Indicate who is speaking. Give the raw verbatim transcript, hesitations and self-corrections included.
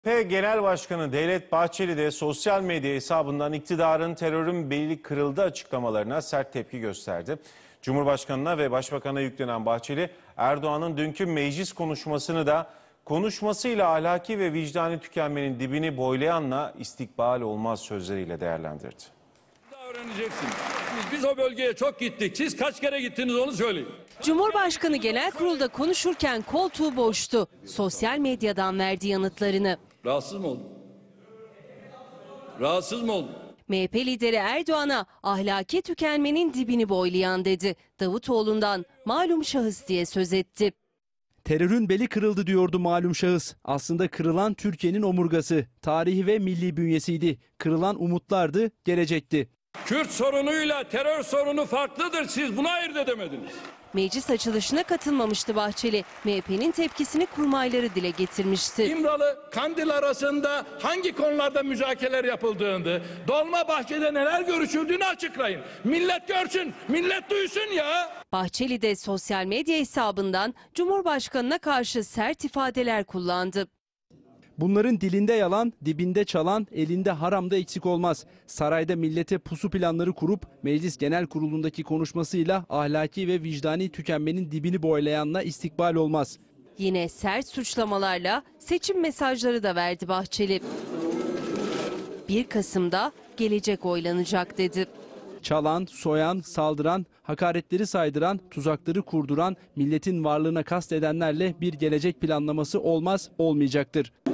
Speaker 1: C H P Genel Başkanı Devlet Bahçeli de sosyal medya hesabından iktidarın terörün beli kırıldı açıklamalarına sert tepki gösterdi. Cumhurbaşkanına ve Başbakan'a yüklenen Bahçeli, Erdoğan'ın dünkü meclis konuşmasını da konuşmasıyla ahlaki ve vicdani tükenmenin dibini boylayanla istikbal olmaz sözleriyle değerlendirdi.
Speaker 2: Öğreneceksiniz. Biz, biz o bölgeye çok gittik. Siz kaç kere gittiniz onu söyleyin.
Speaker 3: Cumhurbaşkanı genel kurulda konuşurken koltuğu boştu. Sosyal medyadan verdi yanıtlarını.
Speaker 2: Rahatsız mı oldun? Rahatsız mı oldun?
Speaker 3: M H P lideri Erdoğan'a ahlaki tükenmenin dibini boylayan dedi. Davutoğlu'ndan malum şahıs diye söz etti.
Speaker 4: Terörün beli kırıldı diyordu malum şahıs. Aslında kırılan Türkiye'nin omurgası, tarihi ve milli bünyesiydi. Kırılan umutlardı, gelecekti.
Speaker 2: Kürt sorunuyla terör sorunu farklıdır. Siz buna ayırt edemediniz.
Speaker 3: Meclis açılışına katılmamıştı Bahçeli. M H P'nin tepkisini kurmayları dile getirmişti.
Speaker 2: İmralı, Kandil arasında hangi konularda müzakereler yapıldığını, Dolmabahçe'de neler görüşüldüğünü açıklayın. Millet görsün, millet duysun ya.
Speaker 3: Bahçeli de sosyal medya hesabından Cumhurbaşkanına karşı sert ifadeler kullandı.
Speaker 4: Bunların dilinde yalan, dibinde çalan, elinde haramda eksik olmaz. Sarayda millete pusu planları kurup Meclis Genel Kurulu'ndaki konuşmasıyla ahlaki ve vicdani tükenmenin dibini boylayanla istikbal olmaz.
Speaker 3: Yine sert suçlamalarla seçim mesajları da verdi Bahçeli. bir Kasım'da gelecek oylanacak dedi.
Speaker 4: Çalan, soyan, saldıran, hakaretleri saydıran, tuzakları kurduran, milletin varlığına kast edenlerle bir gelecek planlaması olmaz, olmayacaktır.